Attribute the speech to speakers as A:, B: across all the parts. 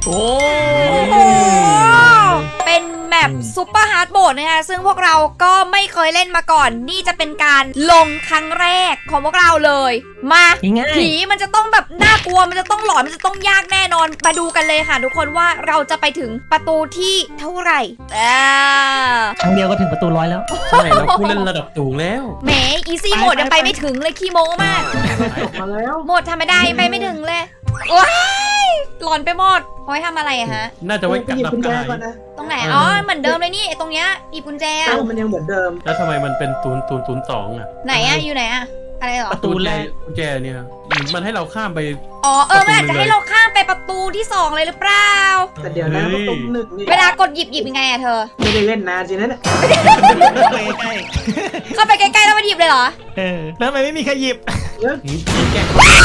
A: โอ้
B: โหเป็นแมปซุปเปอร์ฮาร์ดโหมดนะคะซึ่งพวกเราก็ไม่เคยเล่นมาก่อน นี่จะเป็นการลงครั้งแรกของพวกเราเลย มาผีมันจะต้องแบบน่ากลัวมันจะต้องหลอนมันจะต้องยากแน่นอนมาดูกันเลยค่ะทุกคนว่าเราจะไปถึงประตูที่เท่าไหร่
C: ครั้งเดียวก็ถึงประตู100แล้ว
A: ใช่เราผู้เล่นระดับสูงแล้ว
B: แหมอีซี่โหมดยังไปไม่ถึงเลยขี้โม้มาก
D: จบมาแล้ว
B: โหมดธรรมดายังไปไม่ถึงเลยว้ายหลอนไปหมดเอาไว้ทำอะไรอะฮะ
A: น่าจะไว้กัด
D: หยิบ
A: รับ
D: กุญแจ
A: กาย
D: ก่อนนะ
B: ตรงไหนอ๋อเหมือนเดิมเลยนี่ไอ้ตรงเนี้ยหยิบกุญแจอะ
D: มันยังเหมือนเดิม
A: แล้วทำไมมันเป็น0 0 0 2อ่ะ
B: ไหนอะอยู่ไหนอะอะไรเหรอ
C: ประตูแรก
A: กุญแจเนี่ยมันให้เราข้ามไป
B: อ๋อมันอาจจะให้เราข้ามไปประตูที่2เลยหรือเปล่า
D: แต่เดี๋ยวนะ
A: เฮ้
D: ป
A: ย
D: ระตูหนึ่งนี่
B: เวลากดหยิบยังไงอะเธอ
D: ไม่ได้เล่นนานสินะเนี่ย
C: ใกล้
B: เข้าไปใกล้ๆแล้วมาหยิบเลยเหรอ
C: แล้วทำไมไม่มีใครหยิบ
A: ยิงแกะ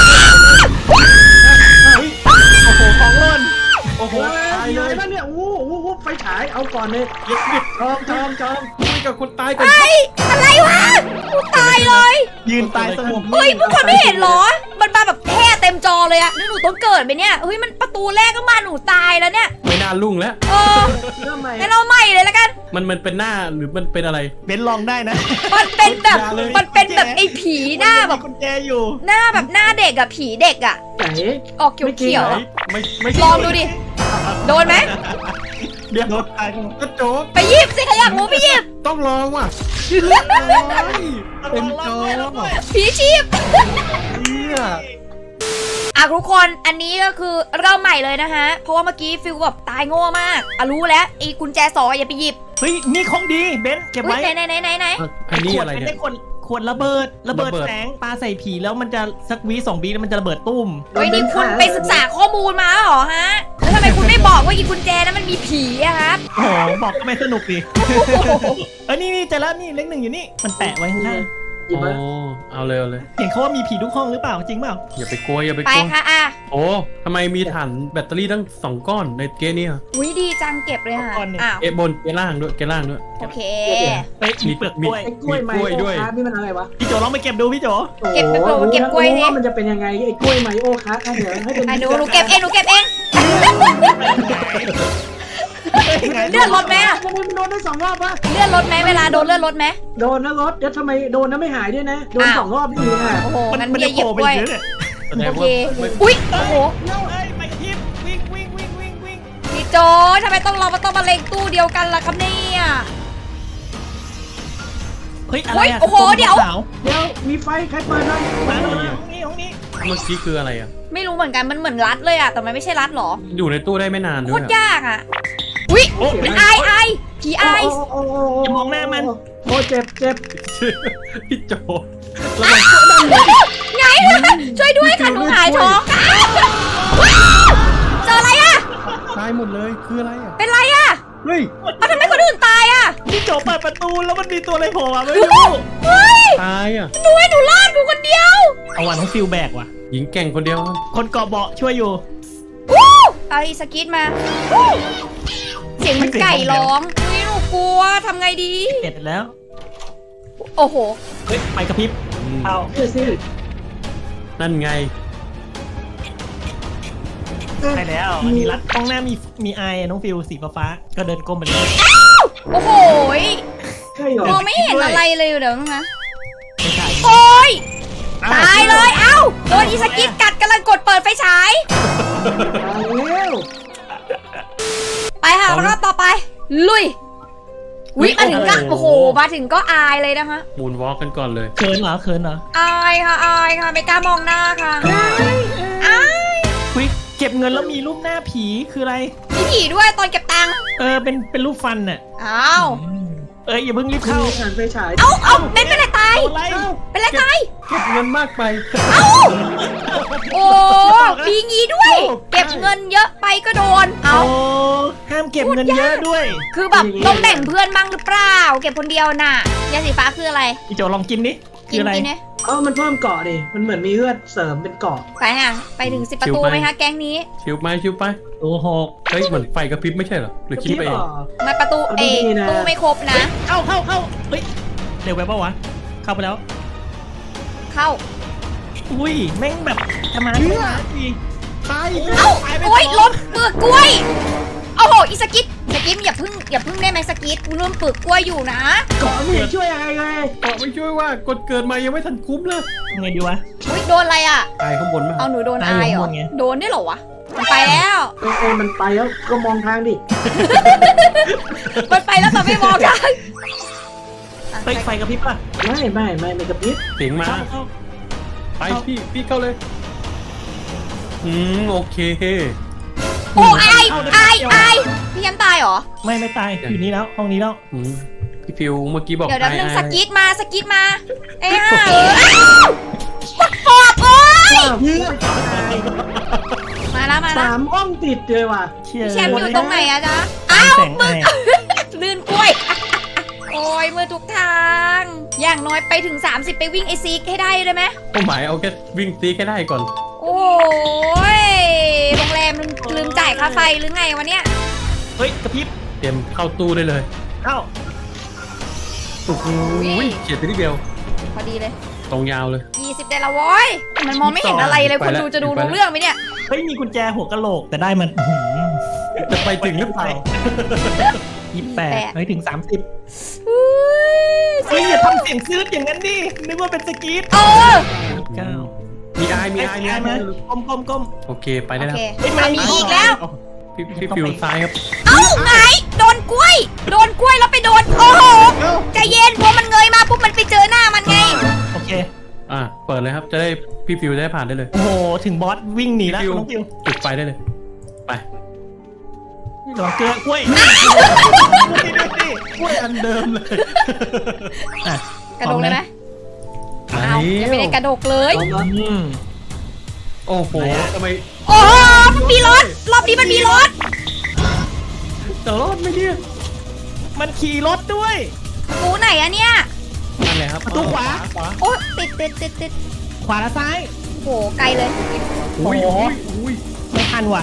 C: โอ้โหของหล่น
A: โอ้โห
D: โอ้ย
A: ตาย
D: มี
A: เล
D: อะไร
A: ย
D: บ้างเนี่ยโอ้โหไฟฉายเอาก่อนเลย
A: หยิบหยิบ
D: จอม
A: คุยกับคนตายก่อน
B: เฮ้ยอะไรวะกูตายเลย
C: ยืนตายสงบ
B: เฮ้ยพวกคนไม่เห็นเหรอมันมาแบบแท่เต็มจอเลยอะนี่หนูต้องเกิดไปเนี่ยเฮ้ยมันประตูแรกก็มาหนูตายแล้วเนี่ย
A: ไม่น่ารุ่งแล้ว
B: เออ
D: เริ่มใหม่
B: งั้นเราใหม่เลยแล้วกัน
A: มันเป็นหน้าหรือมันเป็นอะไร
C: เบนลองได้นะ
B: มันเป็นแบบ
A: อย่าเลย
B: มันเป็นแบบไอ้ผีหน้าแบบ
C: กุญแจอยู่
B: หน้าแบบหน้าเด็กอะผีเด็กอะ
D: ไหน
B: ออกเขียวๆอะ
A: ไม่
B: ลองดูดิโดนไหม
A: เดี๋ยว
C: โดนตาย
A: กระโจก
B: ไปหยิบสิใครอยากรู้ไปหยิบ
A: ต้องลองว่ะเป็นโจก
B: ผีชีพ
A: เนี่ย
B: อ่ะทุกคนอันนี้ก็คือเริ่มใหม่เลยนะฮะเพราะว่าเมื่อกี้ฟิลแบบตายโง่มากอ่ะรู้แล้วไอ้กุญแจ2อย่าไปหยิบ
C: เฮ้ยนี่ของดีเบนเก็บ
B: อุ้ย
C: ไว้
B: ไหน
A: อันนี้
C: ขวด
A: อะไร
C: เป็น
A: เนี่
C: ได้
A: ย
C: ขวดระเบิด
A: ระเบิด
C: แสงปลาใส่ผีแล้วมันจะสักวิ2 วิแล้วมันจะระเบิดตุ้ม
B: เฮ้ยนี่คุณไปศึกษาข้อมูลมาเหรอฮะแล้วทำไมคุณไม่บอกว่าอีกุญแจนั้นมันมีผีอะครับ
C: โอ้โหบอกก็ไม่สนุกดินี่เจอแล้วนี่เลข 1อยู่นี่มันแปะไว้ข้างหน้า
D: หยิบ
A: โอ้
D: มา
A: เอาเลยเอาเลย
C: เห็นเขาว่ามีผีทุกห้องหรือเปล่าจริงเปล่า
A: อย่าไปกลัวอย่าไป
B: ไป
A: กลัว
B: ค่ะอ่ะ
A: โอ้ทำไมมีถ่านแบตเตอรี่ตั้ง2 ก้อนในเกมนี้อ่ะ
B: อุ้ยดีจังเก็บเลยค่ะอ้าว
A: เกมบนเกมล่างด้วยเกมล่างด้วย
B: โอเค
C: เฮ้ยมีเปลือกกล้วย
D: ไอ้กล้วยไม
A: มีกล้วย
D: โอ
A: ด้วย
D: คาร์ดนี่มันอะไรวะ
C: พี่โจลองไปเก็บดูพี่โจ
B: เก็บไปโปรเก็บกล้วยสิ
D: รู้ว่ามันจะเป็นยังไงไอ้กล้วยไมโอคาร์ดเดี๋ยวให้เป็น
B: อ่ะหนูเก็บเองเลื่อนรถไหมอะ
D: ทำไมมันโดนได้2 รอบวะ
B: เลื่อนรถไหมเวลาโดนเลื่อนรถไหม
D: โดนนะรถเดี๋ยวทำไมโดนนะไม่หายด้วยนะโดน
B: อ้าว
D: 2 รอบนี่นะ
B: โอ้โห
C: มัน
B: งั้น
C: มัน
B: เบี
C: จะ
B: ยร์หยิบ
C: โผล่ไป
B: กล้วย
C: เยอะเนี่ย
A: แสดง
B: โอเค
A: ว่า
B: อุ้ยโอ้โห
C: เอ้ยไปกระพริบวิ่ง
B: พี่โจทำไมเราต้องมาเล็งตู้เดียวกันล่ะครับเนี่ย
C: เฮ้ยอะไร
B: เฮ้ย
C: อะ
B: โอ้โหเดี๋ยว
C: สา
D: เดี๋ยวมีไฟใครเปิดหน่อย
C: มาห้องนี้
A: เมื่อกี้คืออะไรอ่ะ
B: ไม่รู้เหมือนกันมันเหมือนรัดเลยอะแต่มันไม่ใช่รัดหรอ
A: อยู่ในตู้ได้ไม่นาน
B: โค
A: ด้วย
B: ตร
A: อะ
B: ยากอะอุ้ย
A: โอ้
B: อายผีอาย
C: อย่ามองหน้ามัน
D: โอ้เจ็บ
A: พี่โจ
B: ไงช่วยด้วยค่ะหนูหายท้องว้าวเจออะไรอะ
A: ตายหมดเลยคืออะไรอ่ะ
B: เป็นไรอะ
A: เฮ้ย
B: เอาทำไมคนอื่นตายอะ
C: พี่โจเปิดประตูแล้วมันมีตัวอะไรโผล่มาไม่รู้
B: เฮ้ย
A: ตายอ่ะ
B: หนูให้หนูรอดกูคนเดียว
C: เอาวันของฟิลแบกว่ะ
A: หญิงแกร่งคนเดียว
C: คนเกาะเบาะช่วยอยู่
B: วู้เอาอีสกิทมาวู้เสียงมันไก่ร้องอุ้ยหนูกลัวทำไงดี
C: เสร็จแล้ว
B: โอ้โห
C: เฮ้ยไปกระพริบเอา
D: เชื่อสิ
A: นั่นไง
C: ไปแล้วอันนี้รัดตรงหน้ามีไออะน้องฟิลสีฟ้าๆก็เดินก้มไปเลย
B: โอ้โหย
D: ใช่เหรอ
B: มองไม่เห็นอะไรเลยเดี๋ยวนะ
C: ไม่ใช่
B: โอ้ยตายเลยเอ้าโดนอีสกิทกัดกำลังกดเปิดไฟฉาย
D: ตายแล้ว
B: ไปค่ะรอบต่อไป ลุยวิมาถึงก็โอ้โหมาถึงก็อายเลยนะคะ
A: มูนวอล์กกันก่อนเลย
C: เขินเหรอ
B: อายค่ะไม่กล้ามองหน้าค่ะอาย
C: คุยเก็บเงินแล้วมีรูปหน้าผีคืออะไร
B: มีผีด้วยตอนเก็บตังค์
C: เป็นรูปฟันน่ะ
B: อ้าว
C: อย่าเพิ่งรีบ
D: เข้า
C: เข้า
D: ผ่านไฟฉาย
B: เอาเป็นไรตาย
C: โดนไล่
B: เป็นไรตาย
A: เก็บเงินมากไป
B: โอ้ปีงี้ด้วย เก็บเงินเยอะไปก็โดนเอา
C: โอ้ห้ามเก็บเงินเยอะด้วย
B: คือแบบต้องแบ่งเพื่อนบ้างหรือเปล่า เก็บคนเดียวน่ะยาสีฟ้าคืออะไร
C: พี่โจลองกินดิคืออะไร
B: กินเนี่ย
D: มันเพิ่มเกาะดิมันเหมือนมีเลือดเสริมเป็นเกาะ
B: ไปค่ะไปถึง10 ประตูไหมคะแก๊งนี้
A: ชิวไป
C: โอ้โห
A: เฮ้ยเหมือนไฟกระพริบไม่ใช่เหรอหรือคิดไปเอง
B: มาประตูเอตู้ไม่ครบนะ
C: เข้าเฮ้ยเร็วไปปะวะเข้าไปแล้ว
B: เข้า
C: อุ้ยแม่งแบบธรรมดาดี
A: ตาย
B: เอ้าโอ้ยล้มเปลือกกล้วยโอ้โหอีสกิทอย่าเพึ่งได้ไหมสกิทกูเริ่มเปลือกกล้วยอยู่นะ
D: เกาะไม่เห็นช่วยอะไรเลย
A: บอกไม่ช่วยว่ากดเกิดมายังไม่ทันคุ้มเลย
C: ไงดีวะ
B: อุ้ยโดนอะไรอ่ะ
A: ตายข้างบนมา
B: เอาหนูโดน
C: ตาย
B: อาย
C: อยู่
B: เหรอ
C: ข้างบนไง
B: โดนได้เหรอวะมันไปแล้ว
D: มันไปแล้วก็มองทางดิ
B: มันไปแล้วแต่ไม่มองทาง
C: เฮ้ยไฟกระพริบป่ะ
D: ไม่กระพริบ
A: เสียงมา
C: เข้า
A: ไปพี่เข้าเลยโอเค
B: โอ้อายพี่แชมป์ตายเหรอ
C: ไม่ตายอยู่นี่แล้วห้องนี้แล้ว
A: พี่ฟิวเมื่อกี้บอก
B: เดี๋ยวนึง
A: ไอ้
B: สกิทมาเอ้ยห่าปักปอบโอ้ยมาแล้ว
D: 3 ห้องติดเลยว่ะ
B: พี่แชมป์อยู่ตรงไหนอะจ๊ะอ้าว
C: แสงไอ
B: ลื่นกล้วย โอ้ยมือทุกทาง อย่างน้อยไปถึง 30 ไปวิ่งไอซีกให้ได้ไหม
A: เป้าหมายเอาแค่วิ่งตีแค่ได้ก่อน
B: โอ้ยโรงแรมลืมจ่ายค่าไฟหรือไงวะเนี่ย
C: เฮ้ยกระพริบ
A: เตรียมเข้าตู้ได้เลย
C: เข้า
A: โอ้โหเฉียดไปนิดเดียว
B: พอดีเลย
A: ตรงยาวเลย
B: 20ได้ละโว้ยมันมองไม่เห็นอะไรเลยคนดูจะดูรู้เรื่องไหมเนี่ย
C: เฮ้ยมีกุญแจหัวกะโหลกแต่ได้มัน
A: จะไปถึงหรือเปล่า
C: 28เฮ้ยถึง 30
B: อุ้ย
C: เฮ้ยอย่าทำเสียงซื้ออย่างนั้นดินึกว่าเป็นสกีต
B: เออ
C: 9
A: มีไอาย
C: ไหมก้ม
A: โอเคไป
B: โอ
A: ได้แล้ว
B: เคเอามีอีกแล้ว
A: พี่ฟิวซ้ายครับ
B: เอ้าไงโดนกล้วยแล้วไปโดน โอ้โหใจเย็นพอมันเงยมาปุ๊บมันไปเจอหน้ามันไง
C: โอเค
A: เปิดเลยครับจะได้พี่ฟิวได้ผ่านได้เลย
C: โอ้โหถึงบอสวิ่งหนีแล้ว
A: ฟิว
C: น้องฟิว
A: จุดไฟได้เลยไป
C: หลอกเกลือกล้วย
A: กล้วยอันเดิมเลย
C: อ่ะ
B: กระโดดเลยไหม
A: มา
B: อ้าวยังไม่ได้กระโดดเลย
C: อืม
A: โอ้โหทำไม
B: โอ้โหมันมีรถรอบนี้มันมีรถ
A: จะรอดไหมเนี่ย
C: มันขี่รถด้วย
B: ประตูไหนอะเนี่ย
A: นั่นแหละครับ
C: ประตูขวา
B: โอ้ติด
C: ขวาและซ้าย
B: โหไกลเลย
A: อุ้ย
C: โอ้โห
A: อุ้ย
C: ไม่ทันว่ะ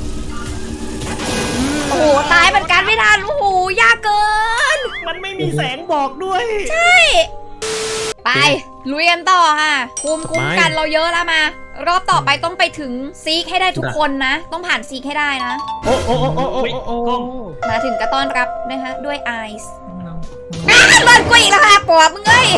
B: โอ้โหตายเหมือนกันไม่ทันโอ้โหยากเกิน
C: มันไม่มีแสงบอกด้วย
B: ใช่ไปลุยกันต่อค่ะคุ้มกันเราเยอะแล้วมา รอบต่อไปต้องไปถึงซีกให้ได้ทุกคนนะ ต้องผ่านซีกให้ได้นะ
A: โอ้โอ้โอ้โอ้โอ้โอ้
B: มาถึงก็ต้อนรับนะคะด้วยไอซ์เลิศกว่าอีกแล้วค่ะปอบมึงเอ้ย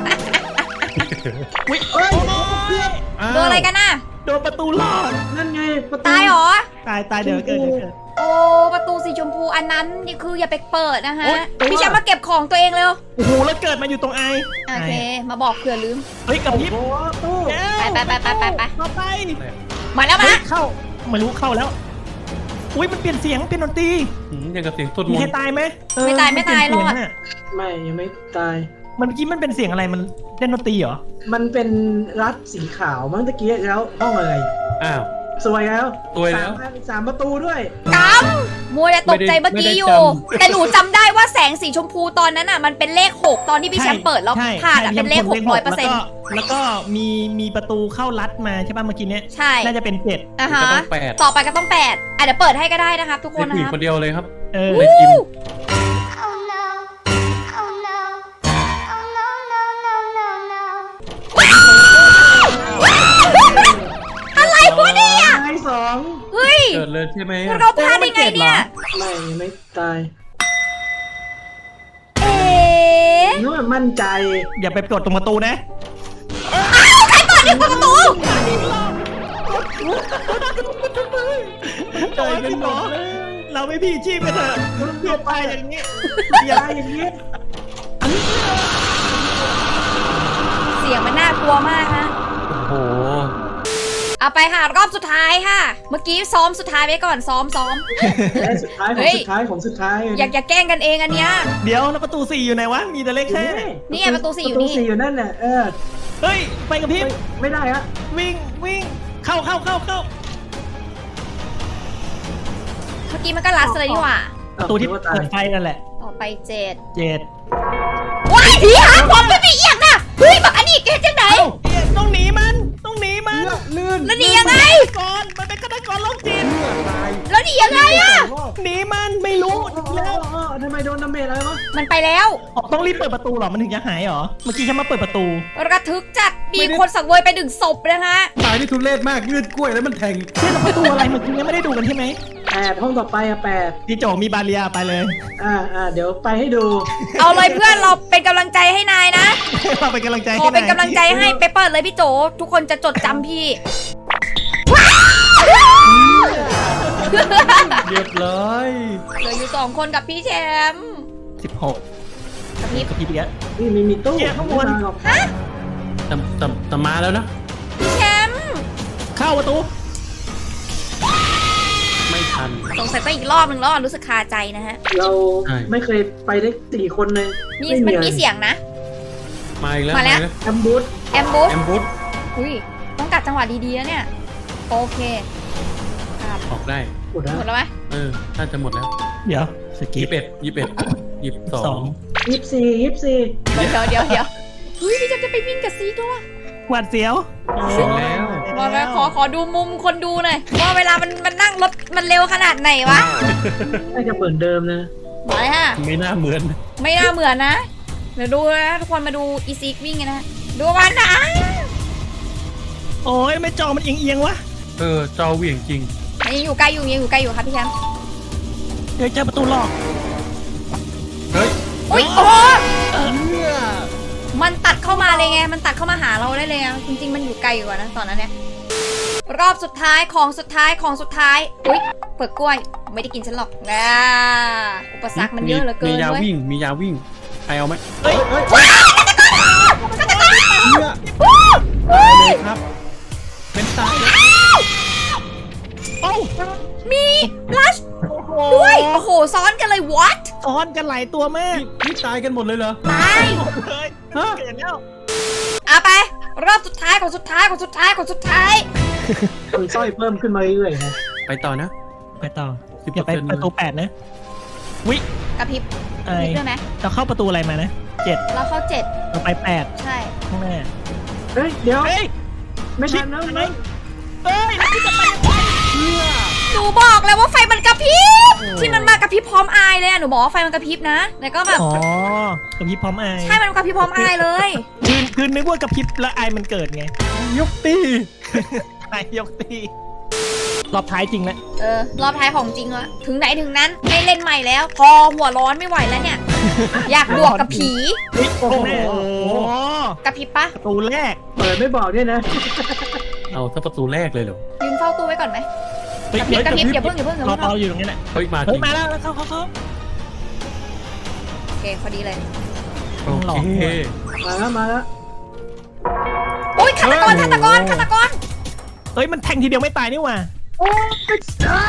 C: อุ๊ย
D: เฮ้ย
B: โดนอะไรกันน่ะ
C: โดนประตูหลอก
D: นั่นไงประตู
B: ตายเหรอ
C: ตายเดี๋ยวเกิด
B: โอ้ประตูสีชมพูอันนั้นนี่คืออย่าไปเปิดนะคะพี่แชมป์มาเก็บของตัวเองเร็ว
C: โอ้โหแล้วเกิดมาอยู่ตรงไอ
B: โอเค มาบอกเผื่อลืม
C: เฮ้ยกระพริบ
D: โอ้โหตู้
B: ไป
C: มาไป
B: มาแล้วมา
C: เฮ้ยเข้าไม่รู้เข้าแล้ว อุ้ยมันเปลี่ยนเสียงเป็นดนตรี
A: ยังกับเสียงสวด
C: มี
A: มน
C: ใคร
A: ต์
C: ตายไหม
B: ไม่ตายรอด
C: เสียงะ
D: ไม่ยังไม่ตาย
C: มันเมื่อกี้มันเป็นเสียงอะไรมันเล่นดนตรีเหรอ
D: มันเป็นรัดสีขาวมั้งตะกี้แล้วห้องอะไร
A: อ้าว
D: สวยแล้ว
A: สวยแล้ว
D: สามประตูด้วย
B: กำมัวแต่ตกใจเมื่อกี้อยู่
A: ไม่ได้จำ
B: แต่หนูจำได้ว่าแสงสีชมพูตอนนั้นอ่ะมันเป็นเลข 6 ตอนที่พี่แชมป์เปิดแล้ว
C: ใช่
B: ผ่านอ่ะ
C: ใช่
B: เป็นเลข
C: แล้วก็มีประตูเข้าลัดมาใช่ป่ะเมื่อกี้เนี้ย
B: ใช่
C: น่าจะเป็น7
B: อ่ะฮะ
A: ก็ต้อง8
B: ต่อไปก็ต้อง8เดี๋ยวเปิดให้ก็ได้นะครับทุกค
A: เด็
B: น
A: ก
B: นะ
A: ผู้หญิ
B: ค
A: ง
B: รับ
A: คนเดียวเลยครับ
C: เออ
A: ไม่กิน
E: Oh no. Oh no. Oh no, no, no, no, no.
B: อะไรวะเนี่ย
D: ตายสอง
B: เฮ้ย
A: เกิดเลยใช่ไหม
B: เราพลาดได้ไงเนี่ย
D: ไม่ยังไม่ตาย
B: เอ๊ะ
D: นึกว่ามั่นใจ
C: อย่าไปกดตรงประตูนะ
B: ใครเปิดเนี่ยเปิดประตู
C: ใจกันหมดเราไม่พี่ชีพกันเถอะเพื่อตายอย่างนี้
D: อย่าอย่างนี้
B: เสียงมันน่ากลัวมากนะ
A: โอ้โห
B: เอาไปค่ะรอบสุดท้ายค่ะ เมื่อกี้ซ้อมสุดท้ายไว้ก่อนซ้อม
D: และสุดท้ายของ
B: เฮ้ย
D: สุดท้ายของสุดท้าย
B: อย่าแกล้งกันเองอันเนี้ย
C: เดี๋ยวแล้วประตู4อยู่ไหนวะ มีแต่เลขแค่
B: นี่ไงประตูสี่อยู่
D: ประ
B: นี่
D: ตู4อยู่นั่นน่ะเออ
C: เฮ้ย ไปกับพี่
D: ไม่ได้ฮะ
C: วิ่ง เข้า
B: เมื่อกี้มันก็ลัดเลยนี่หว่า
C: ประตูที่
D: ว่าตา
C: เปิ
D: ย
C: ดไฟนั่นแหละ
B: ต่อไป7
C: 7
B: ว้ายผีหางผมไม่มีเอียงนะเฮ้ยบักอันนี้เกจังไหน
C: ต้องหนีมัน
A: ลื่น
B: แล้วหนียังไง
C: ก่อนมันเป็นฆาตกรโรคจิต
B: แล้วหนียังไงอะ
C: หนีมันไม่รู้
D: แล้วทำไมโดนดาเมจอะไรวะ
B: มันไปแล้ว
C: อ๋อต้องรีบเปิดประตูเหรอมันถึงจะหายเหรอเมื่อกี้ฉันมาเปิดประตู
B: ระทึกจัดมีคนสังเวยไป1 ศพนะคะ
A: ตายนี่ทุเรศมากเลือดกล้วยแล้วมันแทง
C: เชื่อประตูอะไรเมื่อกี้ยังไม่ได้ดูกันใช่ไหม
D: 8 ห้องต่อไปอะ8
C: พี่โจมีบาเรียไปเลย
D: เดี๋ยวไปให้ดู
B: เอาเลยเพื่อนเราเป็นกำลังใจให้นายนะ
C: เราเป็นกำลังใจ
B: ข
C: ให้
B: อเป็นกำลังใจให้ไปเปิดเลยพี่โจทุกคนจะจดจำพี่
A: เรียบร้อย
B: เหลืออยู่2 คนกับพี่แชมป์
C: 16
B: กับพี่
C: กับพี่เบียร์
D: นี่มีตู้
C: เกียร์ข้างบน
D: ไม่มหรอก
A: แต่มาแล้วนะ
B: พี่แชมป์
C: เข้าประตู
A: ไม่ทัน
B: สงสัยต้องอีกรอบหนึ่งแล้วรู้สึกคาใจนะฮะ
D: เรา
A: ใช่
D: ไม่เคยไปได้4 คนเลย
B: มันมีเสียงนะ
A: มาอีกแล้ว
B: มาแล้ว
D: แอมบูธ
B: แอมบูส
A: แอมบูส
B: อุ้ยต้องกัดจังหวะดีๆนะเนี่ยโอเคครับ
A: ออกได้
D: หมดแล้ว
B: หมดแล้วไหม
A: น่าจะหมดแล้ว
C: เดี๋ยวสกิป
A: 21 22
D: 24
B: เดี๋ยวเฮ้ยพี่แชมป์จะไปวิ่งกับซีด้วย
C: หวาดเสียว
A: เสร็จแล้ว
B: มาแล้วขอดูมุมคนดูหน่อยว่าเวลามันนั่งรถมันเร็วขนาดไหนวะ
D: น่าจะเหมือนเดิมนะ
B: มาเลยค่ะ
A: ไม่น่าเหมือน
B: ไม่น่าเหมือนนะ เดี๋ยวดูนะทุกคนมาดูอีซิกวิ่งกันนะดูมันนะ
C: โอ้ยไม่จอมันเอียงๆวะ
A: จอเหวี่ยงจริง
B: มันยังอยู่ใกล้อยู่ครับพี่แชมป์
C: เดี๋ยวเจอประตูหลอก
A: เฮ้ย
B: อุ้ยโอ้โหมันตัดเข้ามาเลยไงมันตัดเข้ามาหาเราได้เลยอะจริงๆมันอยู่ไกลอยู่อะนะตอนนั้นเนี่ยรอบสุดท้ายของสุดท้ายอุ้ยเปลือกกล้วยไม่ได้กินฉันหรอกอุปสรรคมันเยอะเหลือเกิ
A: มี
B: น
A: ยา
B: เว้ย
A: วิ่งมียาวิ่งใครเอาไหม
C: เฮ้ย
A: เลยครับ เป็นตายแล้ว
C: โอ้
B: มีลัชด้วยโอ้โหซ้อนกันเลย what
C: ซ้อนกันหลายตัวมาก
A: นี่ตายกันหมดเลยเหรอ
B: ตาย
C: เฮ้ย
A: ฮะ
C: เกิดแล้ว
B: เอาไปรอบสุดท้ายของสุดท้าย
D: มีสร้อยเพิ่มขึ้นมาเรื่อยๆนะ
A: ไปต่อนะ
C: ไปต่อ
A: 10%
C: อย่าไปประตู8นะวิ
B: กระพริบ
C: ไอก
B: ระพริบด้วยไหม
C: เราเข้าประตูอะไรมานะ7
B: เราเข้า
C: เราไป8
B: 7ใช่
C: ข้างหน้า
D: เฮ้ย เดี๋ยว
C: เฮ้ย
D: ไม่ทันแล้ว
C: ไหมเฮ้ยแล้วที่จะไปยังไง
B: หนูบอกแล้วว่าไฟมันกระพริบที่มันมากระพริบพร้อมอายเลยอะหนูบอกว่าไฟมันกระพริบนะแล้วก็แบบ
C: อ๋อกับพริบพร้อมไอาย
B: ใช่มันกระพริบพร้อมอายเลย
C: คือนึกว่ากับพริบแล้วไอายมันเกิดไง
A: ยกตี
C: ไอายยกตีรอบท้ายจริงแล้ว
B: รอบท้ายของจริงละถึงไหนถึงนั้นไม่เล่นใหม่แล้ว พอหัวร้อนไม่ไหวแล้วเนี่ย อยากบวกกับผี
C: โอ้โห
B: กระพริบปะ
C: ประตูแรก
D: เปิดไม่บอกเนี่ยนะ
A: เอาถ้าประตูแรกเลยเหรอ
B: ยืนเฝ้าตู้ไว้ก่อนไหม
C: เฮ้ย
B: กระพริบอย่าเพิ่ง
C: รออยู่ตรงนี้แหละ
A: เฮ้ยมาจ
C: เฮ้
A: ริ
C: ย
A: ง
C: มาแล้วเข้า
B: โอเคพอดีเลย
A: โอ
C: หลอก
A: เค
D: มาแล้ว
B: อุ้ยฆาตกร
C: เฮ้ยมันแทงทีเดียวไม่ตายนี่หว่า
D: โอ้ย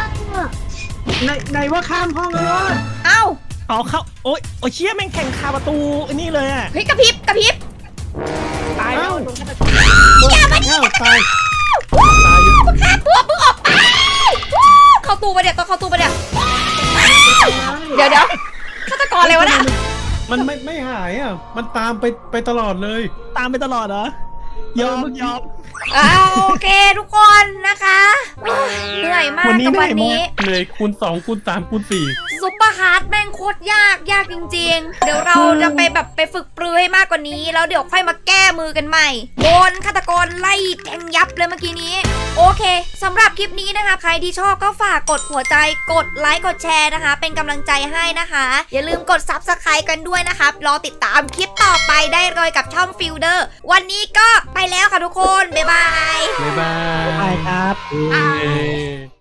D: ไหนว่าข้ามห้องแล้ววะ
B: เอ้า
C: เอาเข้าโอ้ยเชี่ยแม่งแข่งคาประตูอันนี้เลยอ่ะ
B: เฮ้ยกระพริบ
C: ตายแล้ว
B: อย่ามาดิ
A: อ้าวตาย
B: ฆ่าตัวมึงออกไปเข้าตู้ไปเดี๋ยวต้องเข้าตู้ไปเดี๋ยวเดี๋ยวฆาตกรอะไรวะน่ะ
A: มันไม่หายอ่ะ มันตามไปตลอดเลย
C: ตามไปตลอดเหรอยอม
B: โอเคทุกคนนะคะเหนื่อยมากกับวันนี้
A: เลยคูณ2คูณ3คูณ4
B: ซุปเปอร์ฮาร์ดแม่งโคตรยากจริงๆ เดี๋ยวเราจะไปฝึกปรือให้มากกว่านี้ แล้วเดี๋ยวค่อยมาแก้มือกันใหม่โดนฆาตกรไล่แทงยับเลยเมื่อกี้นี้ โอเคสำหรับคลิปนี้นะคะ ใครที่ชอบก็ฝากกดหัวใจกดไลค์กดแชร์นะคะ เป็นกำลังใจให้นะคะ อย่าลืมกด Subscribe กันด้วยนะครับรอติดตามคลิปต่อไปได้เลยกับช่องฟิลเดอร์วันนี้ก็ไปแล้วค่ะทุกคนบ๊ายบาย
A: บ๊ายบาย
C: ไปครับ
A: เย้